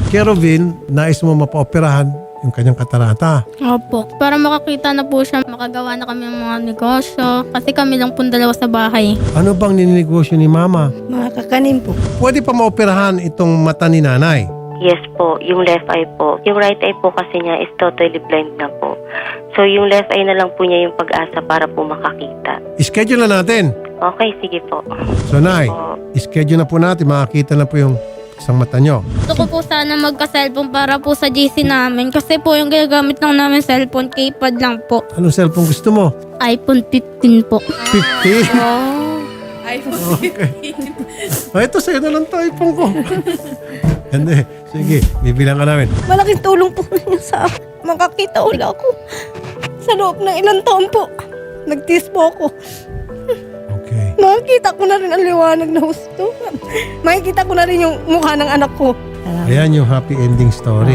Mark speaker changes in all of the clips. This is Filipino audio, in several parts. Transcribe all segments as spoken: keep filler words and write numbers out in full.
Speaker 1: Kerovin, nais mo mapaoperahan yung kanyang katarata.
Speaker 2: Opo. Para makakita na po siya, makagawa na kami ng mga negosyo. Kasi kami lang po dalawa sa bahay.
Speaker 1: Ano bang nininegosyo ni mama?
Speaker 3: Mga kakanin po.
Speaker 1: Pwede pa maoperahan itong mata ni nanay.
Speaker 4: Yes po, yung left eye po. Yung right eye po kasi niya is totally blind na po. So yung left eye na lang po niya yung pag-asa para po makakita.
Speaker 1: Schedule na natin.
Speaker 4: Okay, sige po.
Speaker 1: So, Nay,
Speaker 4: Po.
Speaker 1: schedule na po natin. Makakita na po yung isang mata nyo.
Speaker 2: Gusto ko po sana magka-cellphone para po sa G C namin. Kasi po yung ginagamit lang namin cellphone, keypad lang po.
Speaker 1: Anong cellphone gusto mo?
Speaker 2: iPhone fifteen po.
Speaker 1: fifty?
Speaker 2: Oh.
Speaker 1: Okay. Ah, ito sa'yo na lang to, iPhone ko. Hindi. Sige, bibilang ka namin.
Speaker 3: Malaking tulong po ninyo sa akin. Makakita ulit ako. Sa loob ng ilang taon po. Nagtiis po ako.
Speaker 1: Okay.
Speaker 3: Makikita ko na rin ang liwanag na gusto. Makikita ko na rin yung mukha ng anak ko.
Speaker 1: Ayan yung happy ending story.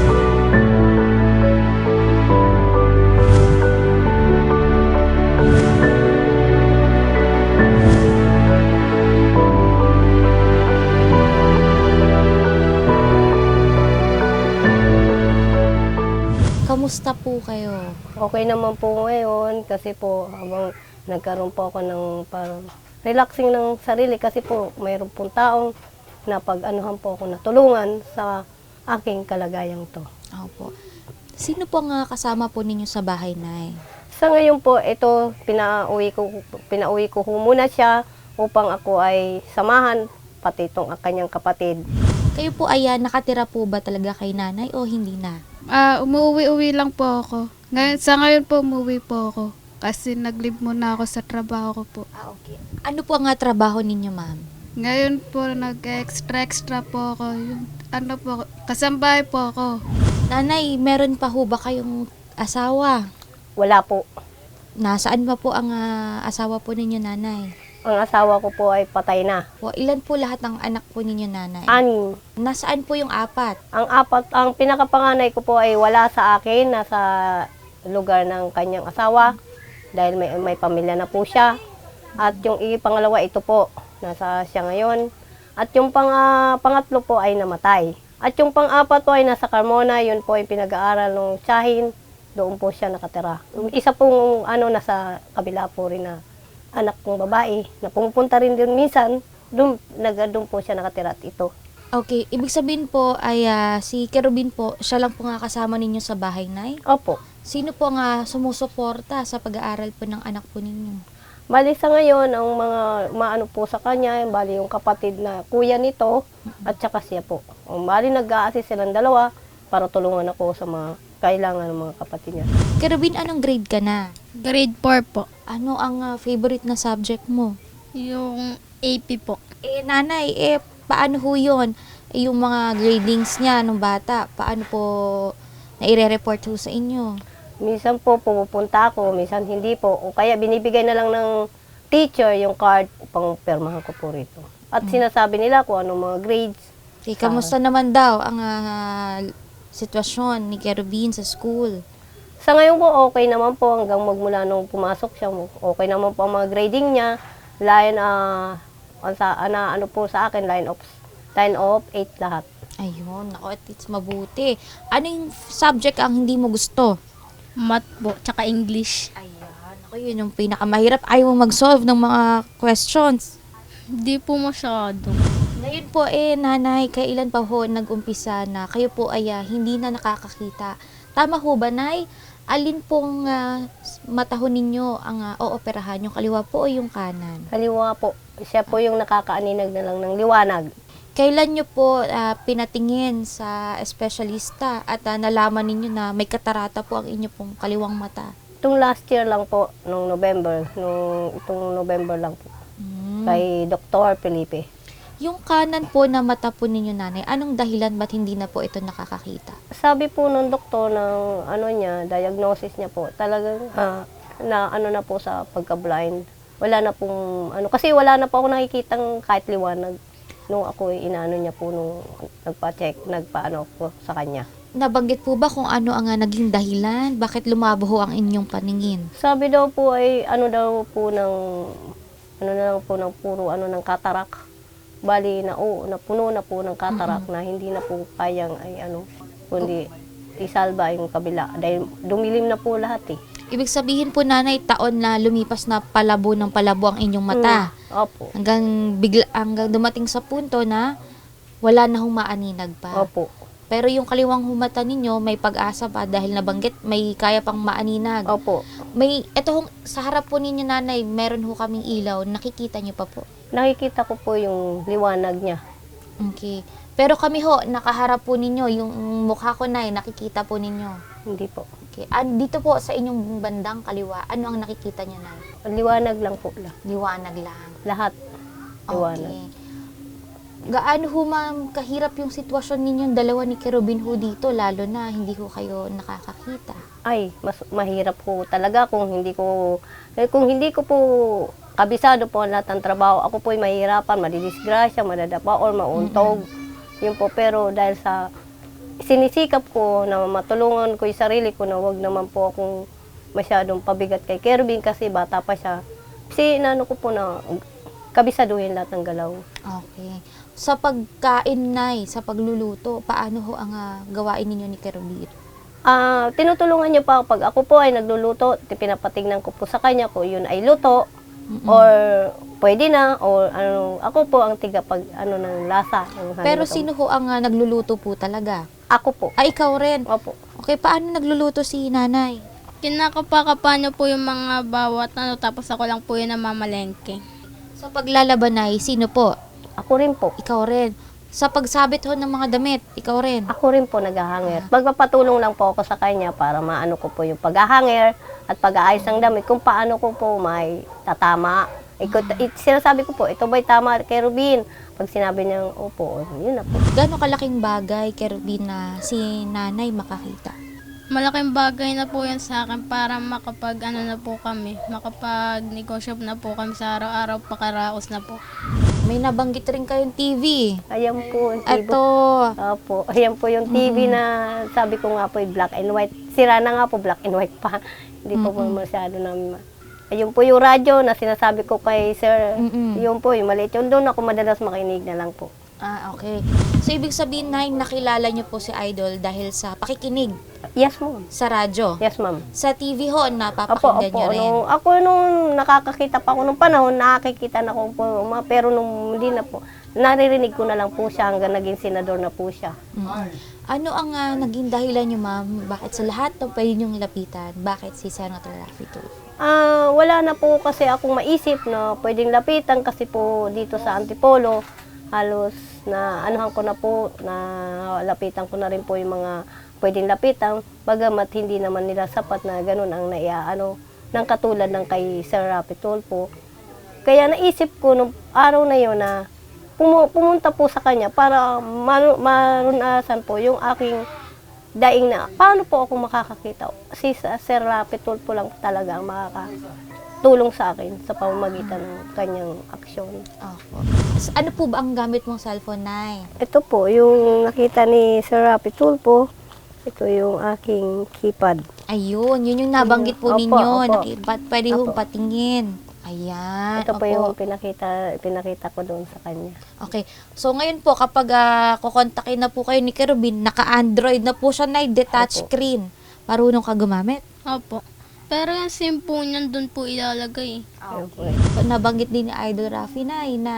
Speaker 5: Kamusta po kayo?
Speaker 3: Okay naman po ngayon kasi po habang nagkaroon po ako ng parang relaxing ng sarili kasi po mayroon pong taong na pag-anuhan po ako natulungan sa aking kalagayang to.
Speaker 5: Opo. Sino po ang ah, kasama po ninyo sa bahay, Nay?
Speaker 3: Sa ngayon po, ito, pinauwi ko, pinauwi ko ho muna siya upang ako ay samahan, pati itong kanyang kapatid.
Speaker 5: Kayo po ay ah, nakatira po ba talaga kay nanay o hindi na?
Speaker 6: Ah, umuwi-uwi lang po ako. Ngayon, sa ngayon po, umuwi po ako. Kasi nag-leave muna ako sa trabaho ko po.
Speaker 5: Ah, okay. Ano po ang ah, trabaho ninyo, ma'am?
Speaker 6: Ngayon po, nag-extra-extra po ako. Yung, ano po, kasambahay po ako.
Speaker 5: Nanay, meron pa ho ba kayong asawa?
Speaker 3: Wala po.
Speaker 5: Nasaan ba po ang ah, asawa po ninyo, nanay?
Speaker 3: Ang asawa ko po ay patay na.
Speaker 5: Po, ilan po lahat ng anak po ninyo, nanay?
Speaker 3: Anim.
Speaker 5: Nasaan po yung apat?
Speaker 3: Ang apat, ang pinakapanganay ko po ay wala sa akin, nasa lugar ng kanyang asawa dahil may, may pamilya na po siya. At yung pangalawa, ito po, nasa siya ngayon. At yung pang, ah, pangatlo po ay namatay. At yung pang-apat po ay nasa Carmona, yun po ay pinag-aaral ng tiyahin. Doon po siya nakatira. Isa pong ano, nasa kabila po rin na anak kong babae na pumupunta rin din minsan, doon, nag, doon po siya nakatira at ito.
Speaker 5: Okay, ibig sabihin po ay ah, si Kerubin po, siya lang po nga kasama ninyo sa bahay, Nay?
Speaker 3: Opo.
Speaker 5: Sino po nga sumusuporta sa pag-aaral po ng anak po ninyo?
Speaker 3: Bali sa ngayon, ang mga maano po sa kanya, bali yung kapatid na kuya nito at saka siya po. Um, bali nag-a-assist silang dalawa para tulungan ako sa mga kailangan ng mga kapatid niya.
Speaker 5: Kerubin, anong grade ka na?
Speaker 2: Grade four po.
Speaker 5: Ano ang ah, favorite na subject mo?
Speaker 2: Yung A P po.
Speaker 5: Eh, nanay, eh, paano ho yun? Eh, yung mga gradings niya nung bata, paano po na i-report ho sa inyo?
Speaker 3: Minsan po pumupunta ako, minsan hindi po. O kaya binibigay na lang ng teacher yung card upang permahan ko po rito. At sinasabi nila kung anong mga grades.
Speaker 5: Eh, kamusta naman daw ang ah, sitwasyon ni Kerubin sa school?
Speaker 3: Sa ngayon po, okay naman po hanggang magmula nung pumasok siya. Okay naman po ang mga grading niya. Line, ah, uh, sa, ana, ano po sa akin, line of, line of eight lahat.
Speaker 5: Ayun, ako at it's mabuti. Ano yung subject ang hindi mo gusto?
Speaker 2: Math po, tsaka English.
Speaker 5: Ayan, ako yun yung pinakamahirap. Ayaw mo mag-solve ng mga questions.
Speaker 2: Hindi po masyado.
Speaker 5: Ngayon po eh, nanay, kailan pa ho nag-umpisa na kayo po ay ah, hindi na nakakakita? Tama ho ba, Nay? Alin pong uh, mata ho ninyo ang uh, ooperahan? Yung kaliwa po o yung kanan?
Speaker 3: Kaliwa po. Siya po yung nakakaaninag na lang ng liwanag.
Speaker 5: Kailan nyo po ah, pinatingin sa espesyalista at ah, nalaman ninyo na may katarata po ang inyo pong kaliwang mata?
Speaker 3: Itong last year lang po, nung November, nung itong November lang po,
Speaker 5: Hmm.
Speaker 3: kay Doctor Felipe.
Speaker 5: Yung kanan po na mata po ninyo, nanay, anong dahilan ba't hindi na po ito nakakakita?
Speaker 3: Sabi po nung doktor ng ano niya, diagnosis niya po, talagang ah, na ano na po sa pagka-blind. Wala na pong ano, kasi wala na po ako nakikitang kahit liwanag nung ako inaano niya po nung nagpa-check, nagpaano po sa kanya.
Speaker 5: Nabanggit po ba kung ano ang ah, naging dahilan? Bakit lumabo ho ang inyong paningin?
Speaker 3: Sabi daw po ay ano daw po ng ano na lang po ng puro ano ng katarak. Bali na oo, napuno na po ng katarak na hindi na po kayang ay ano, kundi isalba yung kabila. Dahil dumilim na po lahat eh.
Speaker 5: Ibig sabihin po, nanay, taon na lumipas na palabo ng palabo ang inyong mata.
Speaker 3: Mm, opo.
Speaker 5: Hanggang, bigla, hanggang dumating sa punto na wala na humaaninag pa.
Speaker 3: Opo.
Speaker 5: Pero yung kaliwang humata ninyo, may pag-asa pa dahil nabanggit, may kaya pang maaninag.
Speaker 3: Opo.
Speaker 5: May, eto hong, sa harap po ninyo, nanay, meron ho kaming ilaw. Nakikita nyo pa po.
Speaker 3: Nakikita ko po yung liwanag niya.
Speaker 5: Okay. Pero kami ho, nakaharap po ninyo, yung mukha ko na nakikita po ninyo.
Speaker 3: Hindi po.
Speaker 5: Okay. Ah, dito po sa inyong bandang kaliwa, ano ang nakikita nyo na?
Speaker 3: Liwanag lang po lang.
Speaker 5: Liwanag lang.
Speaker 3: Lahat. Liwanag.
Speaker 5: Okay. Gaano ho ma'am kahirap yung sitwasyon ninyong dalawa ni Kerubin ho dito, lalo na hindi ho kayo nakakakita?
Speaker 3: Ay, mas mahirap po talaga kung hindi ko eh, kung hindi ko po kabisado po ang lahat ng trabaho. Ako po'y mahirapan, madidisgrasya, madadapa or mauntog. Yun po, pero dahil sa sinisikap ko na matulungan ko yung sarili ko na wag naman po akong masyadong pabigat kay Kerubin kasi bata pa siya. Kasi inano ko po na kabisaduhin lahat ng galaw.
Speaker 5: Okay. Sa pagkain, nay, sa pagluluto, paano ho ang ah, gawain ninyo ni Kerubin?
Speaker 3: Ah, tinutulungan niya pa pag ako po ay nagluluto, pinapatingnan ko po sa kanya ko yun ay luto
Speaker 5: Mm-mm.
Speaker 3: or pwede na or ano, ako po ang tiga pag ano ng lasa ng
Speaker 5: Pero
Speaker 3: haluto.
Speaker 5: sino ho ang ah, nagluluto po talaga?
Speaker 3: Ako po.
Speaker 5: Ay, ikaw rin.
Speaker 3: Opo.
Speaker 5: Okay, paano nagluluto si nanay?
Speaker 2: Kinakapakapa niyo po yung mga bawat ano, tapos ako lang po yung namamalengke.
Speaker 5: Sa paglalaban, nay, sino po?
Speaker 3: Ako rin po.
Speaker 5: Ikaw rin. Sa pagsabit ho ng mga damit, ikaw rin.
Speaker 3: Ako rin po naghahanger. Magpapatulong lang po ako sa kanya para maano ko po yung paghahanger at pag-aayos ng damit kung paano ko po may tatama. Ikot, it, sinasabi ko po, ito ba'y tama kay Rubin? Pag sinabi niya, opo, yun na po.
Speaker 5: Gano'ng kalaking bagay, Kerubin, na si nanay makakita?
Speaker 2: Malaking bagay na po yan sa akin para makapag ano na po kami, makapag negosyo na po kami sa araw-araw, pakaraos na po.
Speaker 5: May nabanggit rin kayong T V.
Speaker 3: Ayan po. yung T V.
Speaker 5: Ito.
Speaker 3: Opo, ayan po yung T V na sabi ko nga po, yung black and white. Sira na nga po, black and white pa. Hindi po po masyado namin. ma- Ayun po yung radyo na sinasabi ko kay Sir.
Speaker 5: Mm-mm.
Speaker 3: Yun po, yung maliit. Yung doon ako madalas makinig na lang po.
Speaker 5: Ah, okay. So, ibig sabihin, nay, nakilala niyo po si Idol dahil sa pakikinig
Speaker 3: Yes, ma'am.
Speaker 5: sa radyo.
Speaker 3: Yes, ma'am.
Speaker 5: Sa T V ho,
Speaker 3: Opo,
Speaker 5: napapakinggan
Speaker 3: opo.
Speaker 5: niyo rin.
Speaker 3: Nung, ako nung nakakakita pa ako nung panahon, nakakikita na ko po. ma- Pero nung hindi na po, naririnig ko na lang po siya hanggang naging senador na po siya.
Speaker 5: Mm. Ano ang ah, naging dahilan niyo, ma'am? Bakit sa lahat ng pwede niyong lapitan? Bakit si Senator Raffy Tulfo?
Speaker 3: Ah, wala na po kasi akong maisip na pwedeng lapitan kasi po dito sa Antipolo, halos na anuhan ko na po, na lapitan ko na rin po yung mga pwedeng lapitan, bagamat hindi naman nila sapat na ganun ang naiaano ng katulad ng kay Sir Raffy Tulfo. Kaya naisip ko nung araw na yun na pumu- pumunta po sa kanya para maru- marunasan po yung aking daing na paano po ako makakakita. Si Sir Raffy Tulfo lang talaga ang makakatulong sa akin sa pamamagitan ng kanyang aksyon.
Speaker 5: Opo. S- Ano po ba ang gamit mong cellphone, nay?
Speaker 3: Ito po, yung nakita ni Sir Raffy Tulfo, ito yung aking keypad.
Speaker 5: Ayun, yun yung nabanggit po
Speaker 3: Opo,
Speaker 5: ninyo.
Speaker 3: opo.
Speaker 5: Naki- pat- pwede hong
Speaker 3: Opo.
Speaker 5: patingin. Ayan.
Speaker 3: Ito po
Speaker 5: opo.
Speaker 3: yung pinakita, pinakita ko doon sa kanya.
Speaker 5: Okay. So, ngayon po, kapag uh, kukontakin na po kayo ni Kerubin, naka-Android na po siya na detached
Speaker 3: Opo.
Speaker 5: screen. Marunong ka gumamit?
Speaker 2: Opo. Pero yung SIM po niyan doon po ilalagay.
Speaker 3: Ayun po.
Speaker 5: Nabanggit din ni Idol Raffy na, na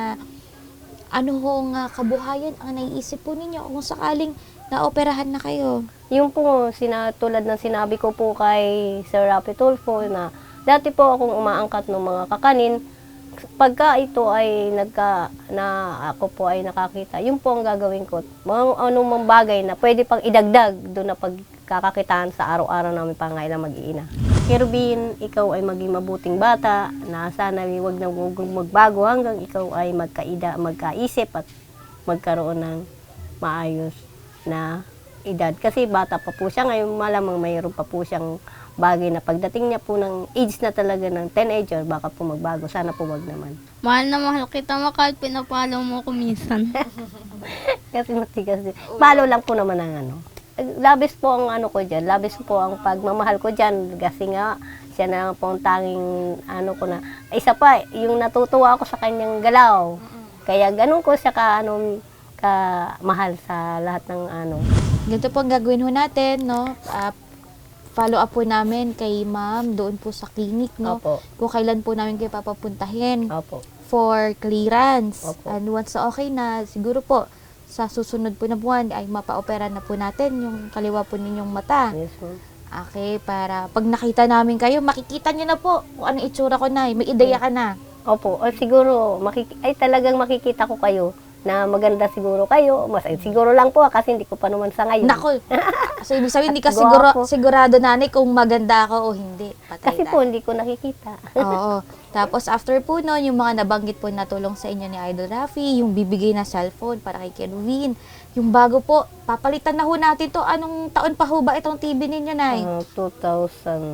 Speaker 5: ano hong uh, kabuhayan ang naiisip po ninyo kung sakaling naoperahan na kayo.
Speaker 3: Yung po, sina, tulad ng sinabi ko po kay Sir Raffy Tulfo na dati po akong umaangkat ng mga kakanin. Pagka ito ay nagka, na ako po ay nakakita, yun po ang gagawin ko. Mga anong bagay na pwede pang idagdag doon na pagkakakitaan sa araw-araw namin pangailang mag-iina. Kerubin, ikaw ay maging mabuting bata na sana huwag na huwag magbago hanggang ikaw ay magkaida, magkaisip at magkaroon ng maayos na edad. Kasi bata pa po siya ngayon, malamang mayroon pa po siyang bagay na pagdating niya po ng age na talaga ng teenager, baka po magbago. Sana po wag naman.
Speaker 2: Mahal na mahal kita, Makal, pinapalo mo ko minsan.
Speaker 3: Kasi matigas din. Malo lang po naman ang ano. Labis po ang ano ko dyan. Labis po ang pagmamahal ko dyan. Kasi nga, siya na lang po ang tanging ano ko na. Isa pa, yung natutuwa ako sa kanyang galaw. Kaya ganun ko siya ka, ano, ka mahal sa lahat ng ano.
Speaker 5: Ganito po ang gagawin ho natin, no? Ah, follow up po namin kay ma'am doon po sa clinic, no?
Speaker 3: Opo.
Speaker 5: Kung kailan po namin kayo papapuntahin
Speaker 3: Opo.
Speaker 5: for clearance.
Speaker 3: Opo.
Speaker 5: And once na okay na, siguro po, sa susunod po na buwan ay mapa-opera na po natin yung kaliwa po ninyong mata.
Speaker 3: Yes, ma'am.
Speaker 5: Okay, para pag nakita namin kayo, makikita nyo na po kung anong itsura ko na. May ideya ka na.
Speaker 3: Opo. O siguro, makik- ay talagang makikita ko kayo na maganda siguro kayo. Mas, ay, siguro lang po kasi hindi ko pa naman sa ngayon.
Speaker 5: Nako. So, ibig sabihin, hindi ka
Speaker 3: Gwapo.
Speaker 5: siguro, sigurado, nanay, kung maganda ako o hindi. Patay
Speaker 3: Kasi
Speaker 5: na.
Speaker 3: po, hindi ko nakikita.
Speaker 5: Oo. Tapos, after po noon, yung mga nabanggit po na tulong sa inyo ni Idol Rafi, yung bibigay na cellphone para kay Kenwin, yung bago po, papalitan na ho natin to. Anong taon pa ho ba itong T V ninyo, Nay?
Speaker 3: Ah, two thousand,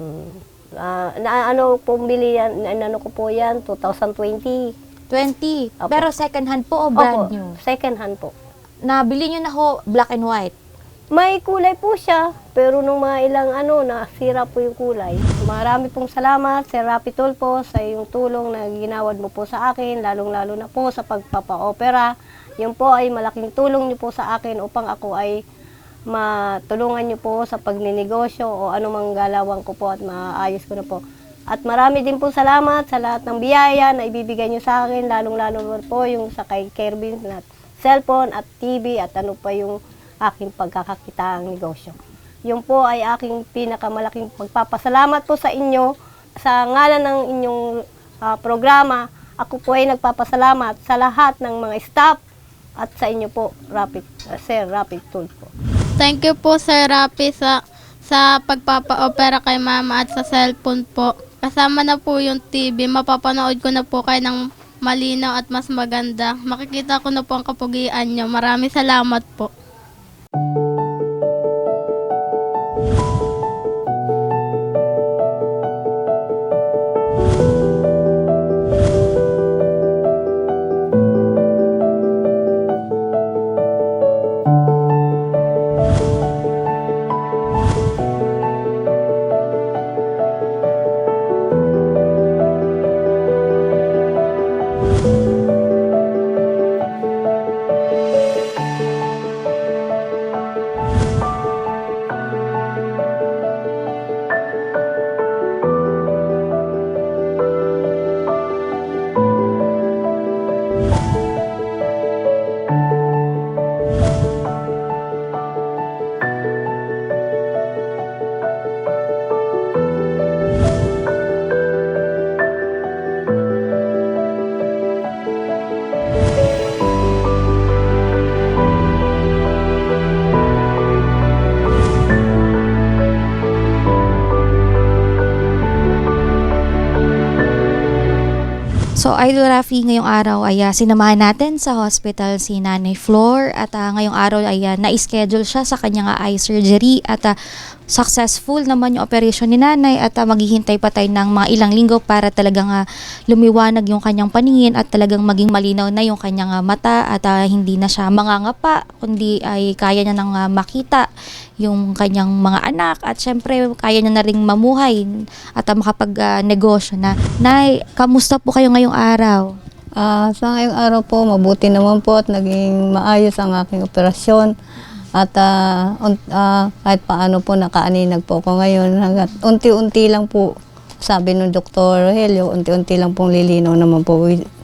Speaker 3: ah, na ano po bili yan, na, ano ko po yan, twenty twenty.
Speaker 5: twenty.
Speaker 3: Opo.
Speaker 5: Pero second hand po o brand
Speaker 3: Opo,
Speaker 5: new?
Speaker 3: second hand po.
Speaker 5: Nabili nyo na ho black and white.
Speaker 3: May kulay po siya, pero nung mga ilang ano, nasira po yung kulay. Marami pong salamat, Sir Rapi Tulfo, sa yung tulong na ginawad mo po sa akin, lalong-lalo na po sa pagpapa-opera. Yun po ay malaking tulong niyo po sa akin upang ako ay matulungan niyo po sa pagninegosyo o anumang galawang ko po at maayos ko na po. At marami din po salamat sa lahat ng biyaya na ibibigay niyo sa akin, lalong-lalo po yung sa kay Kervin na cellphone at T V at ano pa yung aking pagkakakitaang negosyo. Yun po ay aking pinakamalaking pagpapasalamat po sa inyo. Sa ngalan ng inyong ah, programa, ako po ay nagpapasalamat sa lahat ng mga staff at sa inyo po, Rapid, uh, Sir Rapi Tulfo.
Speaker 2: Thank you po, Sir Rapi, sa, sa pagpapa-opera kay Mama at sa cellphone po. Kasama na po yung T V. Mapapanood ko na po kayo ng malinaw at mas maganda. Makikita ko na po ang kapugian nyo. Maraming salamat po.
Speaker 5: So, Idol Rafi, ngayong araw ay uh, sinamahan natin sa hospital si Nanay Flor at uh, ngayong araw ay uh, na-schedule siya sa kanyang uh, eye surgery at uh, successful naman yung operation ni Nanay at uh, maghihintay pa tayo ng mga ilang linggo para talagang uh, lumiwanag yung kanyang paningin at talagang maging malinaw na yung kanyang uh, mata at uh, hindi na siya mangangapa kundi ay kaya niya nang uh, makita yung kanyang mga anak at syempre kaya niya na ring mamuhay at uh, makapag-negosyo uh, na. Nay, kamusta po kayo ngayong araw?
Speaker 7: Ah, sa ngayong araw po, mabuti naman po at naging maayos ang aking operasyon. At ah, un- ah, kahit paano po nakaaninag po ako ngayon. Hanggat unti-unti lang po, sabi ng Doktor Helio, unti-unti lang pong lilinaw naman po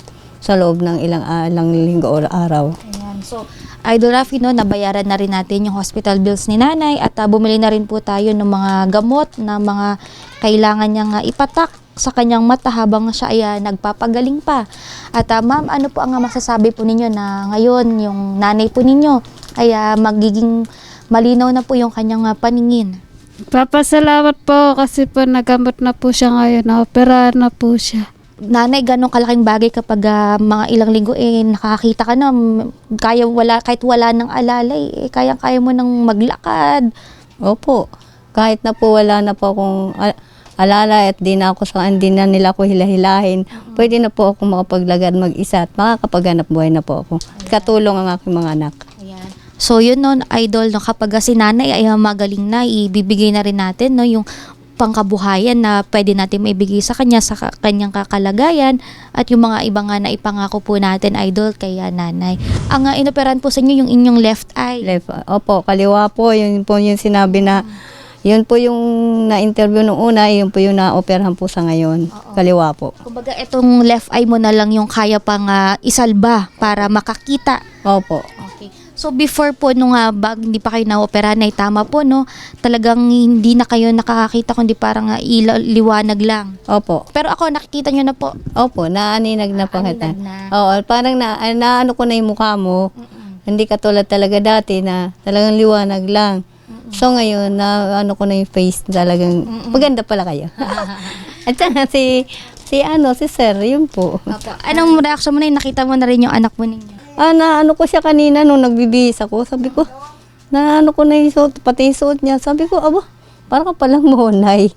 Speaker 7: sa loob ng ilang, ah, ilang linggo o araw.
Speaker 5: Ayan. So, Idol Rafi, no, nabayaran na rin natin yung hospital bills ni Nanay at uh, bumili na rin po tayo ng mga gamot na mga kailangan niyang uh, ipatak sa kanyang mata habang siya ay uh, nagpapagaling pa. At uh, ma'am, ano po ang uh, masasabi po ninyo na ngayon yung nanay po ninyo ay uh, magiging malinaw na po yung kanyang uh, paningin?
Speaker 6: Papasalamat po kasi po nagamot na po siya ngayon. Na-operahan na po siya.
Speaker 5: Nanay, ganong kalaking bagay kapag uh, mga ilang linggo eh nakakita ka na m- kaya wala kahit wala ng alalay eh kaya kaya mo nang maglakad.
Speaker 7: Opo, kahit na po wala na po akong al- alala at di na ako sa hindi na nila ako hilahilahin, pwede na po ako makapaglagad mag-isa at makakapaghanap buhay na po ako. Katulong ang aking mga anak.
Speaker 5: Ayan. So yun, no, Idol, no, kapag uh, si Nanay ay uh, magaling na, ibibigay na rin natin no yung pangkabuhayan na pwede natin maibigay sa kanya sa ka- kanyang kakalagayan at yung mga iba nga na ipangako po natin, Idol, kay ah, nanay. Ang uh, inoperan po sa inyo yung inyong left eye.
Speaker 7: Left, opo, kaliwa po, yun po yung sinabi na, yun po yung na-interview nung una, yun po yung na-operahan po sa ngayon. Kaliwa po.
Speaker 5: Kumbaga, itong left eye mo na lang yung kaya pang ah, isalba para makakita.
Speaker 7: Opo.
Speaker 5: Okay. So before po nung uh, bag hindi pa kayo na-operahan ay tama po no, talagang hindi na kayo nakakakita kundi parang uh, ilaw, liwanag lang.
Speaker 7: Opo.
Speaker 5: Pero ako nakikita nyo na po.
Speaker 7: Opo, naaninag na po kita.
Speaker 5: Aninag na.
Speaker 7: Oo, parang na, na ano ko na yung mukha mo. Hindi katulad talaga dati na talagang liwanag lang. So ngayon, na ano ko na yung face talagang maganda pala kayo. At saka si, si ano, si Sir, yun po.
Speaker 5: Opo. Anong reaction mo na yun? Nakita mo na rin yung anak mo ninyo?
Speaker 7: Ah, na ano ko siya kanina nung nagbibihis ako. Sabi ko, na ano ko na yung suot, pati yung suot niya. Sabi ko, abo, parang ka palang monay.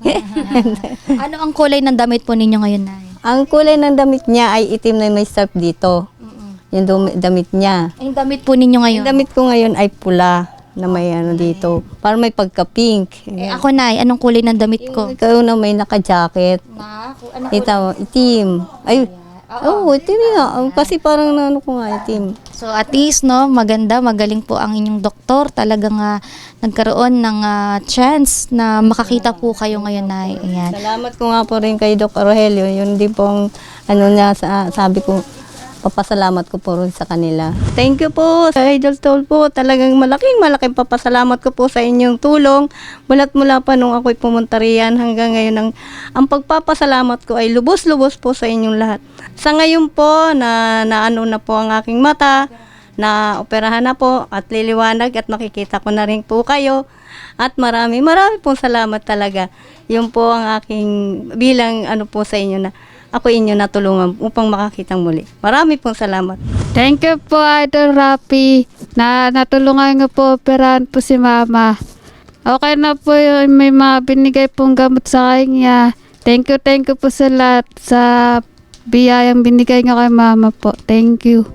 Speaker 5: Ano ang kulay ng damit po ninyo ngayon, Nay?
Speaker 7: Ang kulay ng damit niya ay itim na may strap dito. Yung dumi- damit niya.
Speaker 5: Yung damit po ninyo ngayon?
Speaker 7: Yung damit ko ngayon ay pula na may ano dito. Parang may pagka-pink.
Speaker 5: Eh, ako, Nay, anong kulay ng damit ko?
Speaker 7: Ikaw na may naka-jacket.
Speaker 5: Na, ano
Speaker 7: Ito, itim. Ay, oo, oh, itim nga. Kasi parang na ano ko nga, itim.
Speaker 5: So at least no, maganda, magaling po ang inyong doktor. Talagang ah, nagkaroon ng ah, chance na makakita po kayo ngayon, Nay. Ayan.
Speaker 7: Salamat ko nga po rin kay Doc Rogelio. Yun din pong ano niya, sa, sabi ko, papasalamat ko po rin sa kanila. Thank you po sa Idol Toll po. Talagang malaking malaking papasalamat ko po sa inyong tulong. Mulat mula pa nung ako'y pumunta riyan hanggang ngayon. Ang, ang pagpapasalamat ko ay lubos-lubos po sa inyong lahat. Sa ngayon po, na, na ano na po ang aking mata, na operahan na po at liliwanag at makikita ko na rin po kayo. At marami, marami pong salamat talaga. Yun po ang aking bilang ano po sa inyo na ako inyo natulungan upang makakitang muli. Marami pong salamat.
Speaker 6: Thank you po, Idol Rapi, na natulungan nga po, operahan po si Mama. Okay na po yun, may mga binigay pong gamot sa kanya. Thank you, thank you po sa lahat sa biyayang binigay nga kay Mama po. Thank you.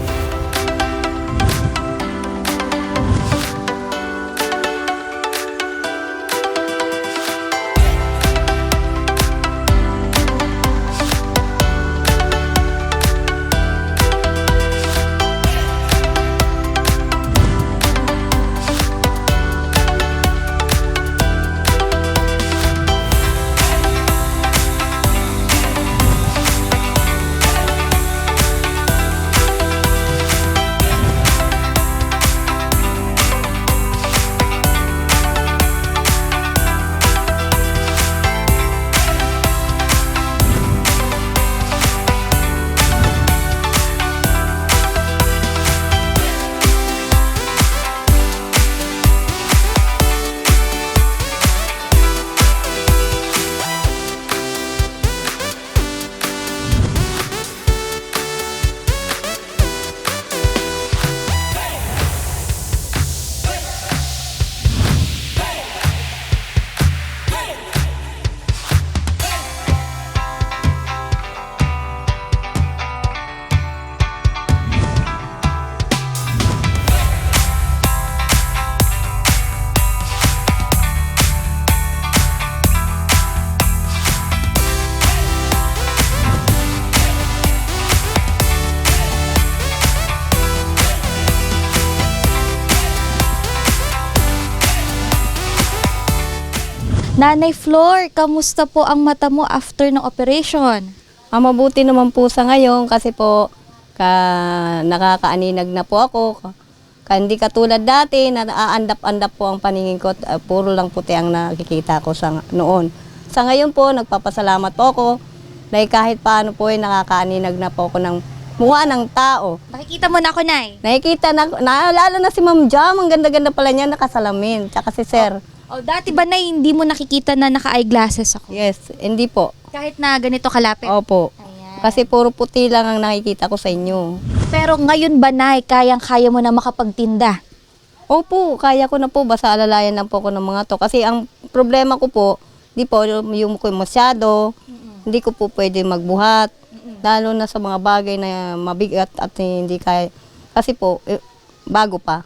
Speaker 5: Nanay Flor, kamusta po ang mata mo after ng operation?
Speaker 7: Ang mabuti naman po sa ngayon kasi po ka, nakakaaninag na po ako. Ka, hindi katulad dati na aandap-andap po ang paningin ko. Uh, puro lang puti ang nakikita ko sa noon. Sa ngayon po, nagpapasalamat po ako dahil kahit paano po ay nakakaaninag na po ako ng mukha ng tao.
Speaker 5: Nakikita mo na ako, Nay.
Speaker 7: Nakikita na, na lalo na si Ma'am Jam, ang ganda-ganda pala niya, nakasalamin. Tsaka si Sir.
Speaker 5: Oh, dati ba, Nay, hindi mo nakikita na naka-eyeglasses ako?
Speaker 7: Yes, hindi po.
Speaker 5: Kahit na ganito kalapit?
Speaker 7: Opo.
Speaker 5: Ayan.
Speaker 7: Kasi puro puti lang ang nakikita ko sa inyo.
Speaker 5: Pero ngayon ba, Nay, kayang-kaya mo na makapagtinda?
Speaker 7: Opo, kaya ko na po. Basta alalayan lang po ko ng mga to. Kasi ang problema ko po, di po yung ko masyado, mm-hmm. hindi ko po pwede magbuhat. Mm-hmm. Lalo na sa mga bagay na mabigat at hindi kaya. Kasi po, eh, bago pa.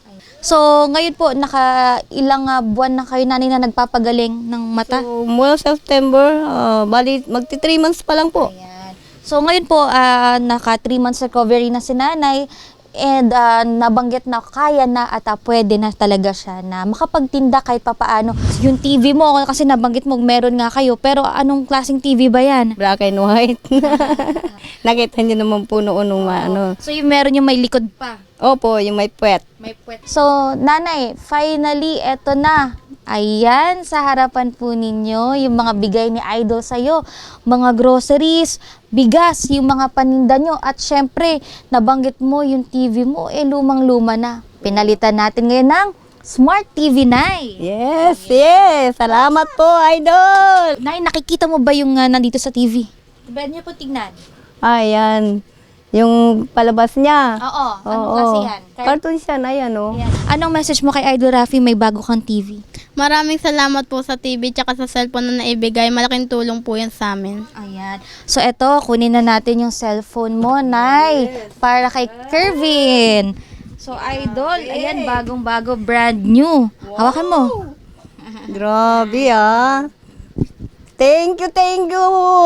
Speaker 5: So, ngayon po, naka ilang ah, buwan na kayo nanay na nagpapagaling ng mata?
Speaker 3: So, mula September, ah, bali, magti three months pa lang po.
Speaker 5: Ayan. So, ngayon po, ah, naka three months recovery na si nanay and ah, nabanggit na kaya na at ah, pwede na talaga siya na makapagtinda kahit papaano. Yung T V mo, kasi nabanggit mo, meron nga kayo, pero anong klaseng T V ba yan?
Speaker 3: Black and white. Nakita niyo naman po noon nung ano.
Speaker 5: So, yung meron yung may likod pa.
Speaker 3: Opo, yung may puwet.
Speaker 5: May puwet. So, nanay, finally, eto na. Ayan, sa harapan po ninyo, yung mga bigay ni Idol sa'yo. Mga groceries, bigas, yung mga paninda nyo. At syempre, nabanggit mo yung T V mo, eh lumang-luma na. Pinalitan natin ngayon ng Smart T V, Nay.
Speaker 3: Yes, yes. Salamat po, Idol.
Speaker 5: Nay, nakikita mo ba yung ah, nandito sa T V? Pwede niyo po tignan.
Speaker 3: Ayan. Yung palabas niya.
Speaker 5: Oo, anong
Speaker 3: Oo.
Speaker 5: klase yan?
Speaker 3: Cartoon siya na yan, oh.
Speaker 5: Ayan. Anong message mo kay Idol Rafi, may bago kang T V?
Speaker 2: Maraming salamat po sa T V tsaka sa cellphone na naibigay. Malaking tulong po yan sa amin.
Speaker 5: Ayan. So, eto, kunin na natin yung cellphone mo, Nay, para kay Kervin. So, Idol, ayan, bagong-bago, brand new. Hawakan mo.
Speaker 3: Grabe, ah. Thank you, thank you,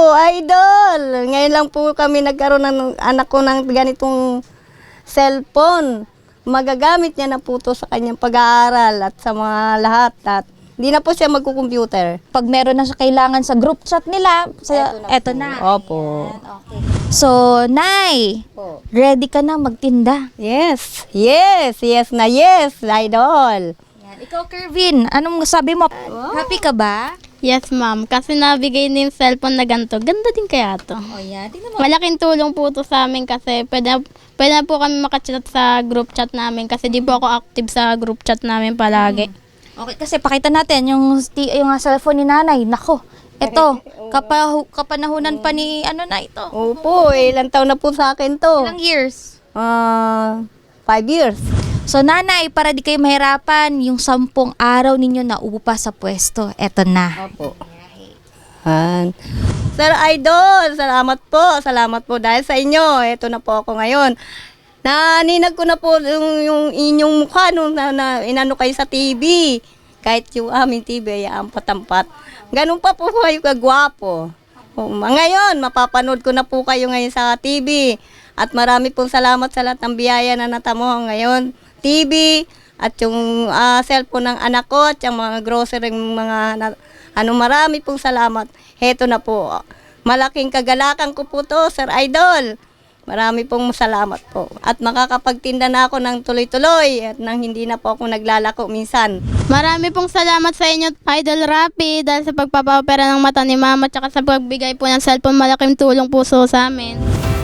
Speaker 3: Idol. Ngayon lang po kami nagkaroon ng anak ko ng ganitong cellphone. Magagamit niya na po to sa kanyang pag-aaral at sa mga lahat. At hindi na po siya magkukomputer.
Speaker 5: Pag meron na siya kailangan sa group chat nila, sa, eto na.
Speaker 3: Opo.
Speaker 5: Okay. So, Nay, ready ka na magtinda?
Speaker 3: Yes, yes, yes na yes, Idol.
Speaker 5: Yan. Ikaw, Kervin, anong sabi mo? Happy ka ba?
Speaker 2: Yes, ma'am. Kasi nabigay na yung cellphone na ganito. Ganda din kaya to.
Speaker 5: O yan, tingnan mo.
Speaker 2: Malaking tulong po to sa amin kasi pwede, na- pwede na po kami makachat sa group chat namin kasi di po ako active sa group chat namin palagi.
Speaker 5: Okay, kasi pakita natin yung, sti- yung ah, cellphone ni Nanay. Nako, eto, kapahu- kapanahunan pa ni ano na ito.
Speaker 3: Opo, ilang taon na po sa akin to.
Speaker 5: Ilang years?
Speaker 3: Ah, five years.
Speaker 5: So, Nanay, para di kayo mahirapan, yung sampung araw ninyo na upa sa pwesto, eto na.
Speaker 3: Opo. Han. Sir Idol, salamat po. Salamat po dahil sa inyo. Ito na po ako ngayon. Naninag ko na po yung, yung inyong mukha nung na, na, inano kayo sa T V. Kahit yung aming T V ay ang patampat. Ganun pa po kayo kagwapo. O, ngayon, mapapanood ko na po kayo ngayon sa T V. At marami pong salamat sa lahat ng biyaya na natamo ngayon. T V at yung ah, cellphone ng anak ko at yung mga grocery, mga na- ano, marami pong salamat. Heto na po. Malaking kagalakan ko po to, Sir Idol. Marami pong salamat po. At makakapagtinda na ako ng tuloy-tuloy at nang hindi na po ako naglalako minsan.
Speaker 2: Marami pong salamat sa inyo, Idol Rapi, dahil sa pagpapapera ng mata ni Mama tsaka sa pagbigay po ng cellphone. Malaking tulong po so sa amin.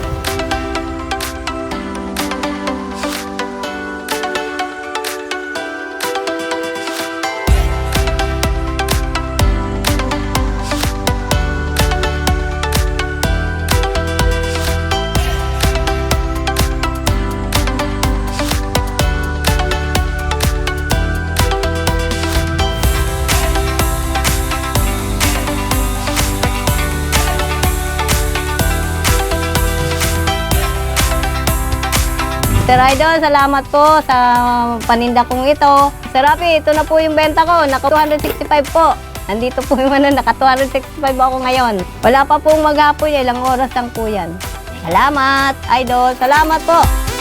Speaker 3: Sir Idol, salamat po sa paninda kong ito. Sir Rafi, ito na po yung benta ko. Naka two hundred sixty-five po. Nandito po yung ano, naka two hundred sixty-five ako ngayon. Wala pa pong maghapon, ilang oras lang po yan. Salamat, Idol. Salamat po.